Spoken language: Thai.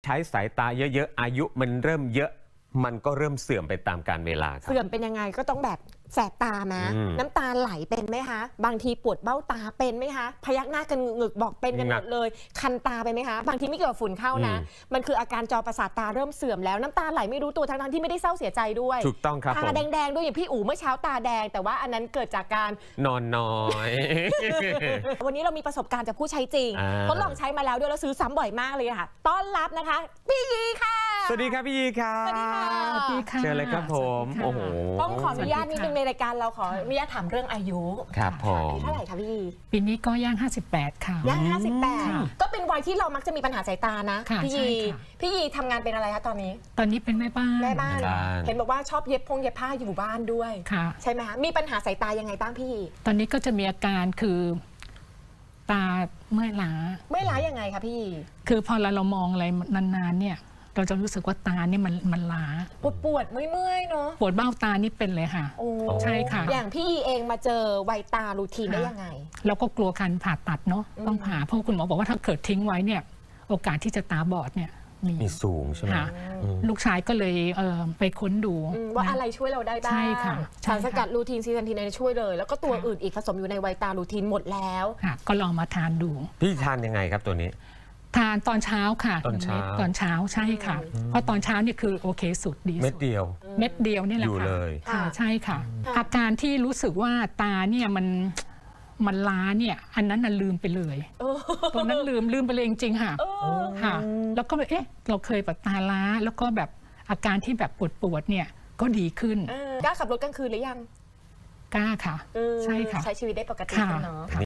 ใช้สายตาเยอะๆอายุมันเริ่มเยอะมันก็เริ่มเสื่อมไปตามกาลเวลาครับเสื่อมเป็นยังไงก็ต้องแบบแสบตาไหมน้ำตาไหลเป็นไหมคะบางทีปวดเบ้าตาเป็นไหมคะพยักหน้ากันงึกบอกเป็นกันหมดเลยคันตาไปไหมคะบางทีไม่เกี่ยวกับฝุ่นเข้านะมันคืออาการจอประสาทตาเริ่มเสื่อมแล้วน้ำตาไหลไม่รู้ตัวทั้งที่ไม่ได้เศร้าเสียใจด้วยถูกต้องครับตาแดงๆด้วยอย่างพี่อู๋เมื่อเช้าตาแดงแต่ว่าอันนั้นเกิดจากการนอนน้อยวันนี้เรามีประสบการณ์จากผู้ใช้จริงทดลองใช้มาแล้วด้วยแล้วซื้อซ้ำบ่อยมากเลยค่ะต้อนรับนะคะพี่ยีค่ะสวัสดีครับพี่ยีครับสวัสดีค่ะเชิญเลยครับผมโอ้โหต้องขออนุญาตนิดนึงในรายการเราขออนุญาตถามเรื่องอายุครับผมเท่าไหร่คะพี่ยีปีนี้ก็ย่าง58ค่ะย่าง58ก็เป็นวัยที่เรามักจะมีปัญหาสายตานะพี่ยีทำงานเป็นอะไรคะตอนนี้เป็นแม่บ้านเห็นบอกว่าชอบเย็บผ้าอยู่บ้านด้วยใช่ไหมคะมีปัญหาสายตายังไงบ้างพี่ยีตอนนี้ก็จะมีอาการคือตาเมื่อยล้ายังไงคะพี่ยีคือพอเรามองอะไรนานๆเนี่ยเราจะรู้สึกว่าตาเนี่ยมันล้าปวดเมื่อยเนาะปวดเบ้าตานี่เป็นเลยค่ะใช่ค่ะอย่างพี่เองมาเจอไวตารูทีนได้ยังไงเราก็กลัวการผ่าตัดเนาะต้องผ่าเพราะคุณหมอบอกว่าถ้าเกิดทิ้งไว้เนี่ยโอกาสที่จะตาบอดเนี่ยมีสูงใช่ไหมลูกชายก็เลยไปค้นดูว่าอะไรช่วยเราได้บ้างใช่ค่ะสารสกัดรูทีนซีซันทีนช่วยเลยแล้วก็ตัวอื่นอีกผสมอยู่ในไวตารูทีนหมดแล้วก็ลองมาทานดูพี่ทานยังไงครับตัวนี้ทานตอนเช้าค่ะตอนเช้าใช่ค่ะเพราะตอนเช้านี่คือโอเคสุดดีเม็ดเดียวนี่แหละค่ะใช่ค่ะอาการที่รู้สึกว่าตาเนี่ยมันล้าเนี่ยอันนั้นน่ะลืมไปเลยตัวนั้นลืมไปเลยจริงๆค่ะแล้วก็เราเคยแบบตาล้าแล้วก็แบบอาการที่แบบปวดเนี่ยก็ดีขึ้นกล้าขับรถกลางคืนหรือยังกล้าค่ะใช่ค่ะใช้ชีวิตได้ปกติเนาะ